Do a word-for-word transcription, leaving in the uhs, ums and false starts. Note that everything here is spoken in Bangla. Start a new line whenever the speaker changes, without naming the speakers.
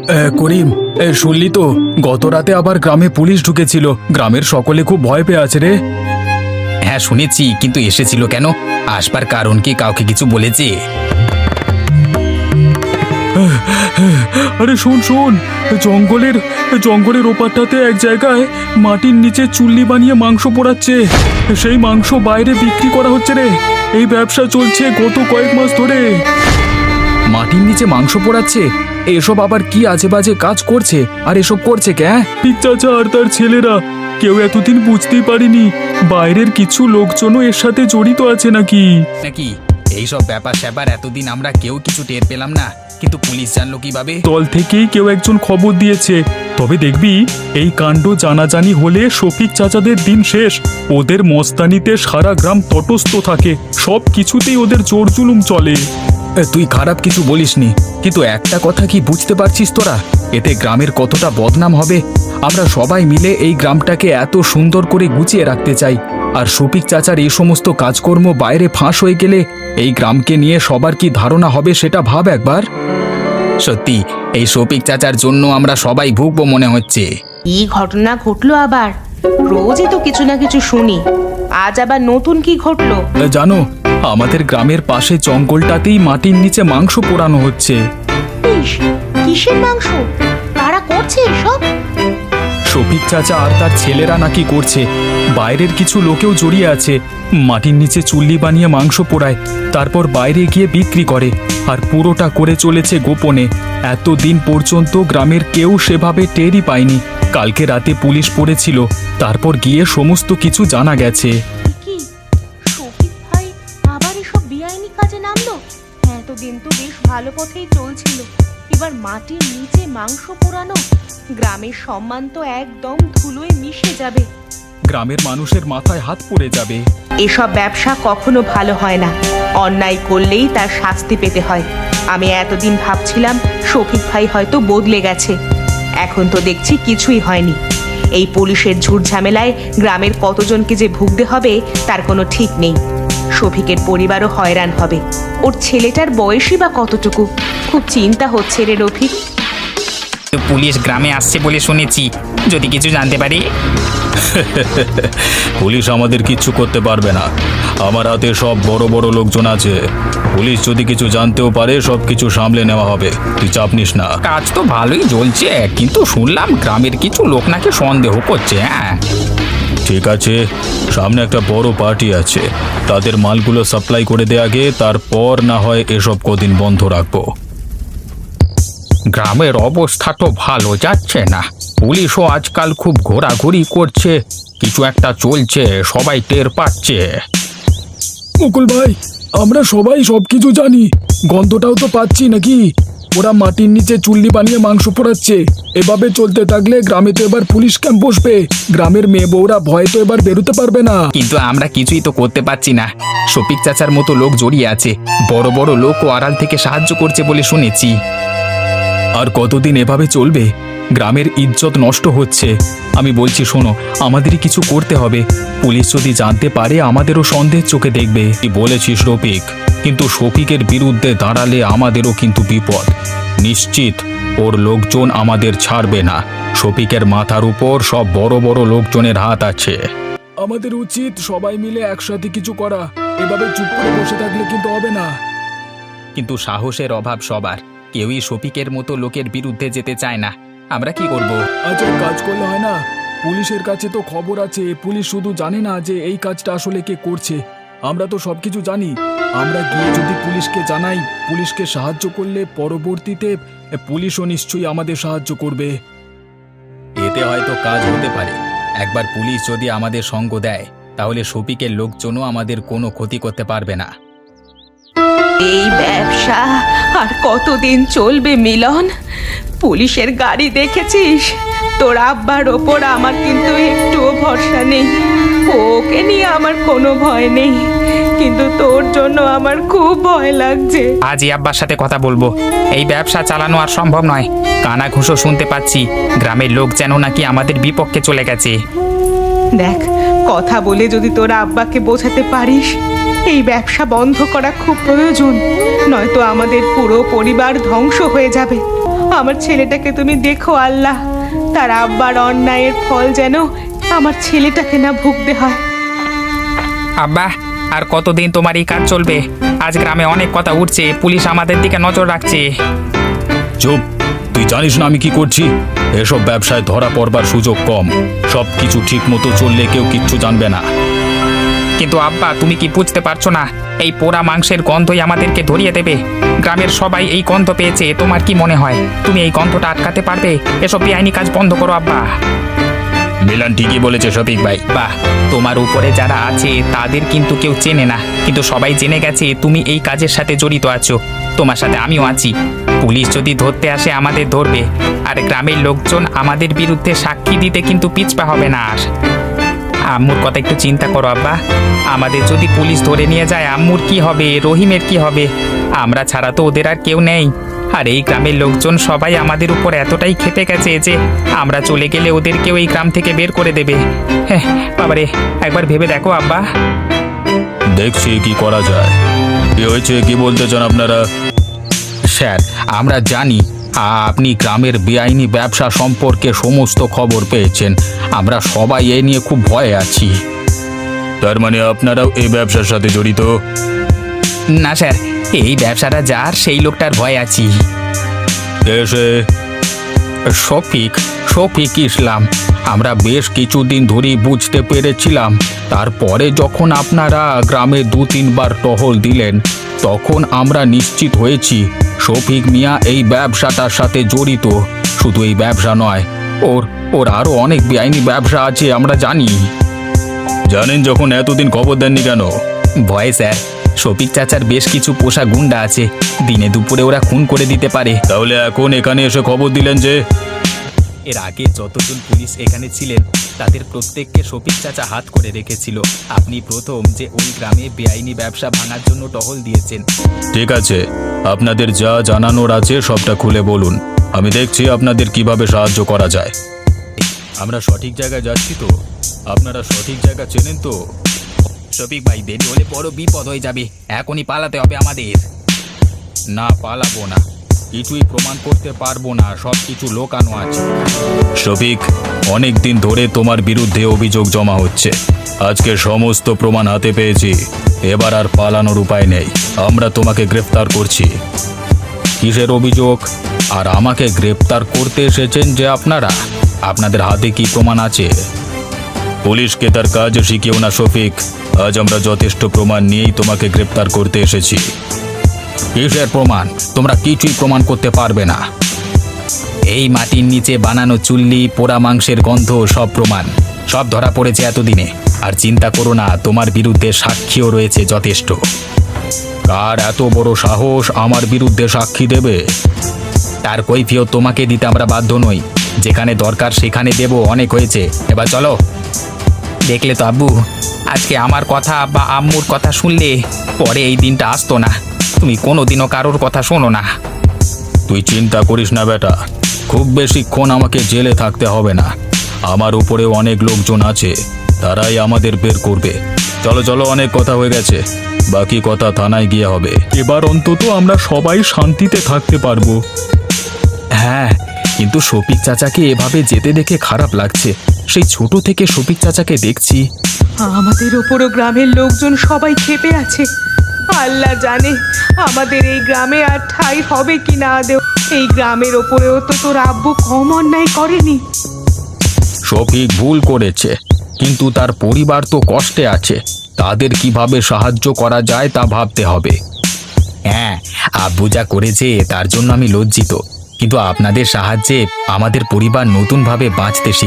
করিম, এ, শুনলি তো গত রাতে আবার গ্রামে পুলিশ ঢুকেছিল। গ্রামের সকলে খুব ভয় পেয়ে আছে রে।
হ্যাঁ শুনেছি, কিন্তু এসেছিল কেন? আসবার কারণ কি কাউকে কিছু বলেছে?
আরে শোন শোন, জঙ্গলের জঙ্গলের ওপারটাতে এক জায়গায় মাটির নিচে চুল্লি বানিয়ে মাংস পোড়াচ্ছে। সেই মাংস বাইরে বিক্রি করা হচ্ছে রে। এই ব্যবসা চলছে গত কয়েক মাস ধরে। মাটির নিচে মাংস পোড়াচ্ছে? এসব আবার কি আজে বাজে কাজ করছে? আর এসব করছে কে? ঠিক চাচা আর তার ছেলেরা। কেউ এতদিন বুঝতেই পারিনি বাইরের কিছু লোকজনও এর সাথে জড়িত আছে নাকি
নাকি এইসব ব্যাপার স্যাপার এতদিন আমরা কেউ কিছু টের পেলাম না, কিন্তু পুলিশ জানলো কিভাবে?
দল থেকেই কেউ একজন খবর দিয়েছে। তবে দেখবি এই কাণ্ড জানাজানি হলে শফিক চাচাদের দিন শেষ। ওদের মস্তানিতে সারা গ্রাম তটস্থ থাকে, সব কিছুতেই ওদের জোর জুলুম চলে। তুই খারাপ কিছু বলিসনি, কিন্তু একটা কথা কি বুঝতে পারছিস তোরা? এতে গ্রামের কতটা বদনাম হবে। আমরা সবাই মিলে এই গ্রামটাকে এত সুন্দর করে গুছিয়ে রাখতে চাই, আর শফিক চাচার এই সমস্ত কাজকর্ম বাইরে ফাঁস হয়ে গেলে এই গ্রামকে নিয়ে সবার কি ধারণা হবে সেটা ভাব একবার।
সত্যি এই শফিক চাচার জন্য আমরা সবাই ভুগবো মনে হচ্ছে।
এই ঘটনা ঘটলো আবার? রোজই তো কিছু না কিছু শুনি, আজ আবার নতুন কি ঘটলো?
জানো, আমাদের গ্রামের পাশে জঙ্গলটাতেই মাটির নিচে মাংস পোড়ানো হচ্ছে।
ইস, কিসের মাংস? কারা করছে এসব?
শফিক চাচা আর তার ছেলেরা নাকি করছে। বাইরের কিছু লোকেও জড়িয়ে আছে। মাটির নিচে চুল্লি বানিয়ে মাংস পোড়ায়, তারপর বাইরে গিয়ে বিক্রি করে। আর পুরোটা করে চলেছে গোপনে। এতদিন পর্যন্ত গ্রামের কেউ সেভাবে টেরই পায়নি। কালকে রাতে পুলিশ পড়েছিল, তারপর গিয়ে সমস্ত কিছু জানা গেছে।
কি শফিক ভাই আবার এসব বেআইনি কাজে নামলো? এতদিন তো বেশ ভালো পথেই চলছিল, এবার মাটির নিচে মাংস পোড়ানো। গ্রামের সম্মান তো একদম ধুলোয় মিশে যাবে।
গ্রামের মানুষের মাথায় হাত পড়ে যাবে।
এসব ব্যবসা কখনো ভালো হয় না, অন্যায় করলেই তার শাস্তি পেতে হয়। আমি এতদিন ভাবছিলাম শফিক ভাই হয়তো বদলে গেছে, এখন তো দেখছি কিছুই হয়নি। এই পুলিশের ঝুট ঝামেলায় গ্রামের কতজনকে যে ভুগতে হবে তার কোনো ঠিক নেই। শফিকের পরিবারও হয়রান হবে। ওর ছেলেটার বয়সই বা কতটুকু? খুব চিন্তা হচ্ছে রে রফিক।
তো পুলিশ গ্রামে আসছে বলে শুনেছি, যদি কিছু জানতে পারি।
পুলিশ আমাদের কিচ্ছু করতে পারবে না। আমার হাতে সব বড় বড় লোকজন আছে। পুলিশ যদি কিছু জানতেও পারে সব কিছু সামলে নেওয়া হবে, তুই চাপ নিস না।
কাজ তো ভালোই চলছে, কিন্তু শুনলাম গ্রামের কিছু লোক নাকি সন্দেহ করছে। হ্যাঁ
ঠিক আছে, সামনে একটা বড় পার্টি আছে, তাদের মালগুলো সাপ্লাই করে দে আগে, তারপর না হয় এসব কদিন বন্ধ রাখবো।
গ্রামের অবস্থা তো ভালো যাচ্ছে না, পুলিশও আজকাল খুব ঘোরাঘুরি করছে, কিছু একটা চলছে, সবাই টের পাচ্ছে।
মুকুল ভাই, আমরা সবাই সবকিছু জানি, গন্ধটাও তো পাচ্ছি নাকি? ওরা মাটির নিচে চুল্লি বানিয়ে মাংস পোড়াচ্ছে। এভাবে চলতে থাকলে গ্রামে তো এবার পুলিশ ক্যাম্প বসবে। গ্রামের মেয়ে বউরা ভয়ে তো এবার বেরোতে পারবে না।
কিন্তু আমরা কিছুই তো করতে পারছি না। শফিক চাচার মতো লোক জড়িয়ে আছে, বড় বড় লোক ও আড়াল থেকে সাহায্য করছে বলে শুনেছি।
আর কতদিন এভাবে চলবে? গ্রামের ইজ্জত নষ্ট হচ্ছে। আমি বলছি শোনো, আমাদেরই কিছু করতে হবে। পুলিশ যদি জানতে পারে আমাদেরও সন্দেহের চোখে দেখবে। কি বলেছিস রফিক, কিন্তু শফিকের বিরুদ্ধে দাঁড়ালে আমাদেরও কিন্তু বিপদ। নিশ্চিত ওর লোকজন আমাদের ছাড়বে না। শফিকের মাথার উপর সব বড় বড় লোকজনের হাত আছে। আমাদের উচিত সবাই মিলে একসাথে কিছু করা। এভাবে চুপ করে বসে থাকলে কিন্তু হবে না।
কিন্তু সাহসের অভাব সবার, কেউই শফিকের মতো লোকের বিরুদ্ধে যেতে চায় না। আমরা কি করব?
আচ্ছা, কাজ করলে হয় না? পুলিশের কাছে তো খবর আছে, পুলিশ শুধু জানে না যে এই কাজটা আসলে কে করছে। আমরা তো সবকিছু জানি। আমরা গিয়ে যদি পুলিশকে জানাই, পুলিশকে সাহায্য করলে পরবর্তীতে পুলিশও নিশ্চয়ই আমাদের সাহায্য করবে।
এতে হয়তো কাজ হতে পারে। একবার পুলিশ যদি আমাদের সঙ্গ দেয়, তাহলে শফিকের লোকজনও আমাদের কোনো ক্ষতি করতে পারবে না।
এই ব্যবসা আর কতদিন চলবে মিলন? পুলিশের গাড়ি দেখেছিস? তোর আব্বার ওপর আমার কিন্তু একটুও ভরসা নেই। ওকে নিয়ে আমার কোনো ভয় নেই, কিন্তু তোর জন্য আমার খুব ভয় লাগছে।
আজই আব্বার সাথে কথা বলবো। এই ব্যবসা চালানো আর সম্ভব নয়। কানা ঘুষো শুনতে পাচ্ছি, গ্রামের লোক যেন নাকি আমাদের বিপক্ষে চলে গেছে।
দেখ, কথা বলে যদি তোর আব্বাকে বোঝাতে পারিস এই ব্যবসা বন্ধ করা খুব প্রয়োজন, নয়তো আমাদের পুরো পরিবার ধ্বংস হয়ে যাবে। আমার ছেলেটাকে তুমি দেখো আল্লাহ, তার আব্বার অন্যায়ের ফল যেন আমার ছেলেটাকে না ভুগতে হয়।
আব্বা, আর কতদিন তোমার এই কাজ চলবে? আজ গ্রামে অনেক কথা উঠছে, পুলিশ আমাদের দিকে নজর রাখছে।
চুপ, তুই জানিস না আমি কি করছি? এসব ব্যবসায় ধরা পড়বার সুযোগ কম। সব কিছু ঠিক মতো চললে কেউ কিচ্ছু জানবে না।
কিন্তু আব্বা, তুমি কি বুঝতে পারছো না? এই পোড়া মাংসের গন্ধই আমাদেরকে ধরিয়ে দেবে। গ্রামের সবাই এই গন্ধ পেয়েছে। তোমার কি মনে হয় তুমি এই গন্ধটা আটকাতে পারবে? এসব বেআইনি কাজ বন্ধ করো আব্বা।
মিলান ঠিকই বলেছে শফিক ভাই।
বাহ, তোমার উপরে যারা আছে তাদের কিন্তু কেউ চেনে না, কিন্তু সবাই জেনে গেছে তুমি এই কাজের সাথে জড়িত আছো। তোমার সাথে আমিও আছি। পুলিশ যদি ধরতে আসে আমাদের ধরবে, আর গ্রামের লোকজন আমাদের বিরুদ্ধে সাক্ষী দিতে কিন্তু পিছপা হবে না। আর আম্মুর কথা একটু চিন্তা করো আব্বা। আমাদের যদি পুলিশ ধরে নিয়ে যায়, আম্মুর কি হবে? রহিমের কি হবে? আমরা ছাড়া তো ওদের আর কেউ নেই। আর এই গ্রামের লোকজন সবাই আমাদের উপর এতটাই খেপে গেছে যে আমরা চলে গেলে ওদেরকেও এই গ্রাম থেকে বের করে দেবে। হ্যাঁ বাবারে, একবার ভেবে দেখো আব্বা।
দেখছি কি করা যায়। কি হয়েছে, কি বলতে চান আপনারা? স্যার, আমরা জানি আপনি গ্রামের বেআইনি ব্যবসা সম্পর্কে সমস্ত খবর পেয়েছেন। আমরা সবাই এ নিয়ে খুব ভয়ে আছি। তার মানে আপনারাও এই ব্যবসার সাথে জড়িত?
না স্যার, এই ব্যবসাটা যার সেই লোকটার ভয় আছি।
এসে শফিক শফিক ইসলাম। আমরা বেশ কিছুদিন ধরেই বুঝতে পেরেছিলাম। তারপরে যখন আপনারা গ্রামে দু তিনবার টহল দিলেন, তখন আমরা নিশ্চিত হয়েছি শফিক মিয়া এই ব্যবসাটার সাথে জড়িত। শুধু এই ব্যবসা নয়, ওর ওর আরও অনেক বেআইনি ব্যবসা আছে আমরা জানি। জানেন যখন এতদিন খবর দেননি কেন?
ভয় স্যার, শফিক চাচার বেশ কিছু পোষা গুন্ডা আছে, দিনে দুপুরে ওরা খুন করে দিতে পারে।
তাহলে এখন এখানে এসে খবর দিলেন যে?
এর আগে যতজন পুলিশ এখানে ছিলেন তাদের প্রত্যেককে শফিক চাচা হাত করে রেখেছিল। আপনি প্রথম যে ওই গ্রামে বেআইনি ব্যবসা ভাঙার জন্য টহল দিয়েছেন।
ঠিক আছে, আপনাদের যা জানানোর আছে সবটা খুলে বলুন। আমি দেখছি আপনাদের কিভাবে সাহায্য করা যায়। আমরা সঠিক জায়গায় যাচ্ছি তো? আপনারা সঠিক জায়গা চেনেন তো?
শফিক ভাই, দেরি হলে বড় বিপদ হয়ে যাবে। এখনই পালাতে হবে আমাদের।
না, পালাবো না। কিছুই প্রমাণ করতে পারবো না, সব কিছু লোকানো আছে। শফিক, অনেক দিন ধরে তোমার বিরুদ্ধে অভিযোগ জমা হচ্ছে। আজকে সমস্ত প্রমাণ হাতে পেয়েছি। এবার আর পালানোর উপায় নেই। আমরা তোমাকে গ্রেফতার করছি। কিসের অভিযোগ? আর আমাকে গ্রেফতার করতে এসেছেন যে আপনারা? আপনাদের হাতে কি প্রমাণ আছে? পুলিশকে তার কাজ শিখিও না শফিক। আজ আমরা যথেষ্ট প্রমাণ নিয়েই তোমাকে গ্রেফতার করতে এসেছি। কিসের প্রমাণ? তোমরা কিছুই প্রমাণ করতে পারবে না।
এই মাটির নিচে বানানো চুল্লি, পোড়া মাংসের গন্ধ, সব প্রমাণ, সব ধরা পড়েছে এতদিনে। আর চিন্তা করো না, তোমার বিরুদ্ধে সাক্ষীও রয়েছে যথেষ্ট।
কার এত বড় সাহস আমার বিরুদ্ধে সাক্ষী দেবে?
তার কৈফিয়ত তোমাকে দিতে আমরা বাধ্য নই। যেখানে দরকার সেখানে দেব। অনেক হয়েছে, এবার চলো। দেখলে তো আব্বু, আজকে আমার কথা বা আম্মুর কথা শুনলে পরে এই দিনটা আসতো না। তুমি কোনোদিনও কারোর কথা শোনো না।
তুই চিন্তা করিস না বেটা, খুব বেশিক্ষণ আমাকে জেলে থাকতে হবে না। আমার উপরেও অনেক লোকজন আছে, তারাই আমাদের বের করবে। চলো চলো, অনেক কথা হয়ে গেছে, বাকি কথা থানায় গিয়ে হবে।
এবার অন্তত আমরা সবাই শান্তিতে থাকতে পারবো।
হ্যাঁ, কিন্তু শফিক চাচাকে এভাবে যেতে দেখে খারাপ লাগছে। সেই ছোট থেকে শফিক চাচাকে দেখছি।
আমাদের ওপরও গ্রামের লোকজন সবাই খেপে আছে। আল্লাহ জানে আমাদের এই গ্রামে আর ঠাঁই হবে কি না দেও। এই গ্রামের ওপরেও তো তোর আব্বু কম অন্যায় করেনি।
শফিক ভুল করেছে, কিন্তু তার পরিবার তো কষ্টে আছে। তাদের কিভাবে সাহায্য করা যায় তা ভাবতে হবে।
হ্যাঁ, আব্বু যা করেছে তার জন্য আমি লজ্জিত, কিন্তু আপনাদের সাহায্যে আমাদের পরিবার নতুনভাবে বাঁচতে শিখে